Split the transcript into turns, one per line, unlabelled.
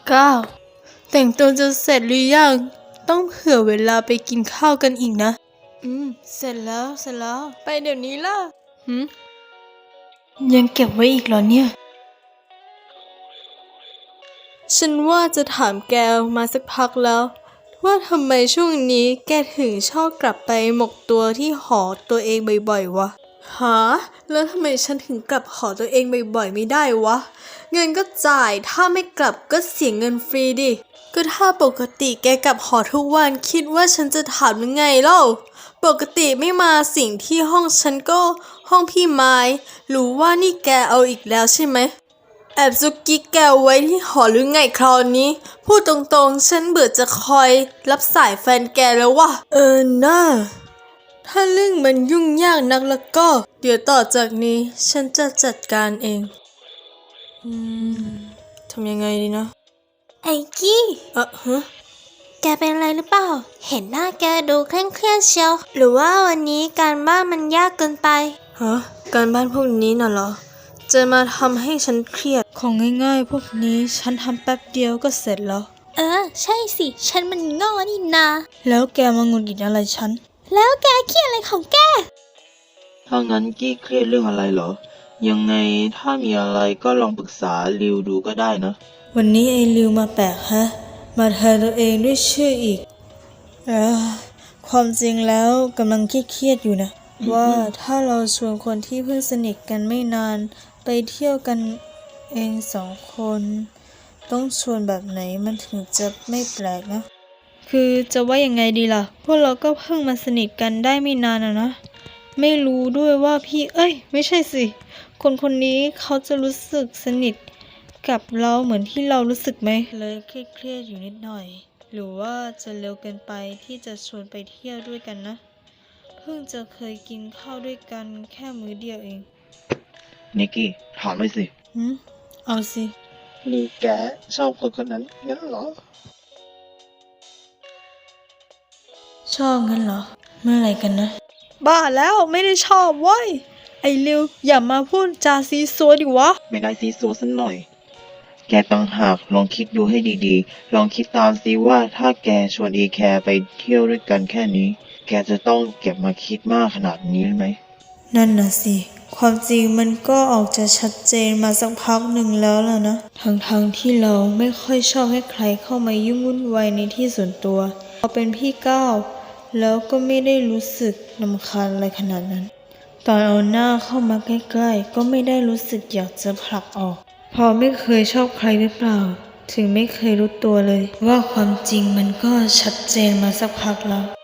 9แต่งตัวจะเสร็จหรือยังต้องเผื่อเวลาไปกินข้าวกันอีกนะเสร็จแล้วไปเดี๋ยวนี้ล่ะยังเก็บไว้อีกเหรอเนี่ยฉันว่าจะถามแกมาสักพักแล้วว่าทำไมช่วงนี้แกถึงชอบกลับไปหมกตัวที่หอตัวเองบ่อยๆวะหาแล้วทำไมฉันถึงกลับหอตัวเองบ่อยๆไม่ได้วะเงินก็จ่ายถ้าไม่กลับก็เสียเงินฟรีดิก็ถ้าปกติแกกลับหอทุกวันคิดว่าฉันจะถามยังไงเล่าปกติไม่มาสิ่งที่ห้องฉันก็ห้องพี่ไม้รู้ว่านี่แกเอาอีกแล้วใช่ไหมแอบซุกกิ๊กแกไว้ที่หอหรือไงคราวนี้พูดตรงๆฉันเบื่อจะคอยรับสายแฟนแกแล้วว่ะน่าถ้าเรื่องมันยุ่งยากนักแล้วก็เดี๋ยวต่อจากนี้ฉันจะจัดการเองทำยังไงดีนะ
ไอ้กี้
ฮะ
แกเป็นอะไรหรือเปล่าเห็นหน้าแกดูเคร่งเครียดเชียวหรือว่าวันนี้การบ้านมันยากเกินไป
การบ้านพวกนี้น่ะเหรอจะมาทำให้ฉันเครียดของง่ายๆพวกนี้ฉันทำแป๊บเดียวก็เสร็จแล้ว
ใช่สิฉันมันง่อนี่นา
แล้วแกมาหงุดหงิดอะไรฉัน
แล้วแกเครียดอะไรของแก
ถ้างั้นกี้เครียดเรื่องอะไรเหรอยังไงถ้ามีอะไรก็ลองปรึกษาริวดูก็ได้นะ
วันนี้ไอ้ริวมาแปลกฮะมาแทนตัวเองด้วยชื่ออีกความจริงแล้วกำลังเครียดอยู่นะว่าถ้าเราชวนคนที่เพิ่งสนิทกันไม่นานไปเที่ยวกันเอง2 คนต้องชวนแบบไหนมันถึงจะไม่แปลกนะคือจะว่ายังไงดีล่ะพวกเราก็เพิ่งมาสนิทกันได้ไม่นานนะไม่รู้ด้วยว่าพี่ไม่ใช่สิคนนี้เขาจะรู้สึกสนิทกับเราเหมือนที่เรารู้สึกไหมเลยเครียดอยู่นิดหน่อยหรือว่าจะเร็วเกินไปที่จะชวนไปเที่ยวด้วยกันนะเพิ่งจะเคยกินข้าวด้วยกันแค่มื้อเดียวเอง
นิกกี้ถามหน่อยสิ
เอาสิ
นี่แกชอบคนนั้นงั้นเหรอ
ชอบงั้นเหรอเมื่อไหร่กันนะบ้าแล้วไม่ได้ชอบเว้ยไอ้ริวอย่ามาพูดจาซีซัวดิวะ
ไม่ได้ซีซัวสักหน่อยแกต้องหากลองคิดดูให้ดีๆลองคิดตามซิว่าถ้าแกชวนอีแคร์ไปเที่ยวด้วยกันแค่นี้แกจะต้องเก็บมาคิดมากขนาดนี้ไหม
นั่นน่ะสิความจริงมันก็ออกจะชัดเจนมาสักพักหนึ่งแล้วล่ะนะทั้งที่เราไม่ค่อยชอบให้ใครเข้ามายุ่งวุ่นวายในที่ส่วนตัวพอเป็นพี่ก้าวแล้วก็ไม่ได้รู้สึกรำคาญอะไรขนาดนั้นตอนเอาหน้าเข้ามาใกล้ๆก็ไม่ได้รู้สึกอยากจะผลักออกพอไม่เคยชอบใครหรือเปล่าถึงไม่เคยรู้ตัวเลยว่าความจริงมันก็ชัดเจนมาสักพักแล้ว